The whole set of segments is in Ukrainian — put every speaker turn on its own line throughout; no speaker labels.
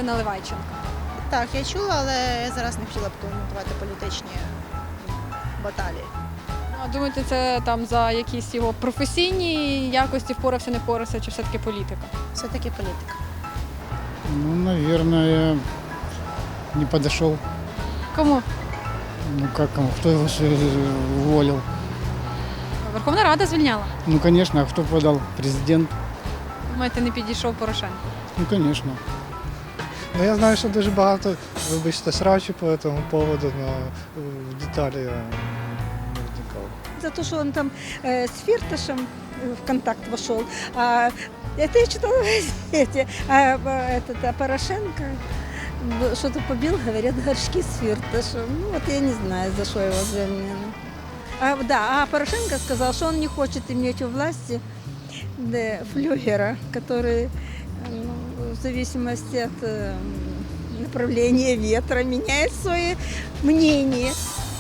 Наливайченка?
Так, я чула, але я зараз не хотіла б коментувати політичні баталії.
А думаєте, це там за якісь його професійні якості впорався, не впорався, чи все-таки політика?
Все-таки політика.
Ну, наверное, не подошел.
Кому?
Ну как кому? Кто его уволил?
Верховна Рада звільняла.
Ну, конечно, а кто подал? Президент?
Думаєте, не підійшов Порошенко?
Ну, конечно.
Ну, я знаю, що дуже багато, вибачте, срачу по цьому поводу, але в деталі я не вникав.
За то, что он там с Фирташем в контакт вошел. Это я читала в газете. А Порошенко что-то побил, говорят, горшки с Фирташем. Ну вот я не знаю, за что его звільнили. А Порошенко сказал, что он не хочет иметь у власти флюгера, который в зависимости от направления ветра меняет свое мнение.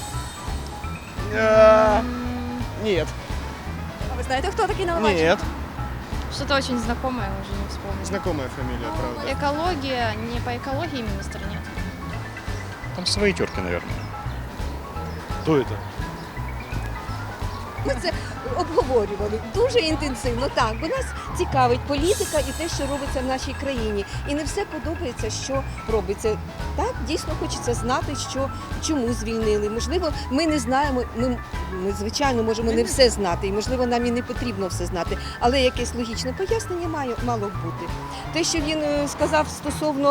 Нет.
А ви знаєте, хто такий Наливайченко?
Нет.
Что-то очень знакомое, уже не вспомню.
Знакомая фамилия, правда.
Экология, не по экологии министр, нет.
Там свои терки, наверное.
Кто это?
Ми це обговорювали дуже інтенсивно. Так, бо нас цікавить політика і те, що робиться в нашій країні. І не все подобається, що робиться. Так, дійсно хочеться знати, чому звільнили. Можливо, ми не знаємо, ми звичайно, можемо не все знати, і, можливо, нам і не потрібно все знати, але якесь логічне пояснення мало б бути. Те, що він сказав стосовно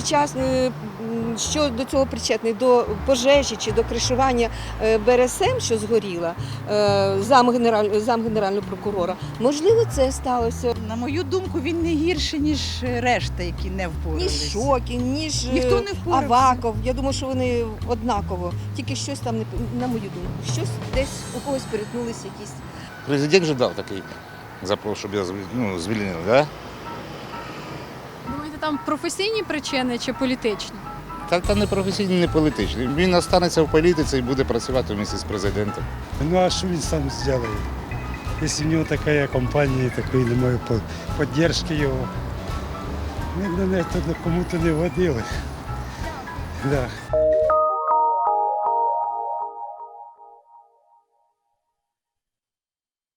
що до цього причетний, до пожежі чи до кришування БРСМ, що згоріла, зам генерального прокурора, можливо, це сталося.
На мою думку, він не гірший, ніж решта, які не
Ніж
впоралися.
Шокін, ніж
Ніхто не впорався.
Аваков. Я думаю, що вони однаково. Тільки щось там, на мою думку, щось десь у когось перетнулися якісь.
Президент же дав такий запрос, щоб я звільнив, да?
Думаєте, там професійні причини чи політичні?
Та не професійний, не політичний. Він останеться в політиці і буде працювати вместе з президентом.
Ну а що він сам зробить? Якщо в нього така компанія, такої немає підтримки його, кому-то не вгодили. Да.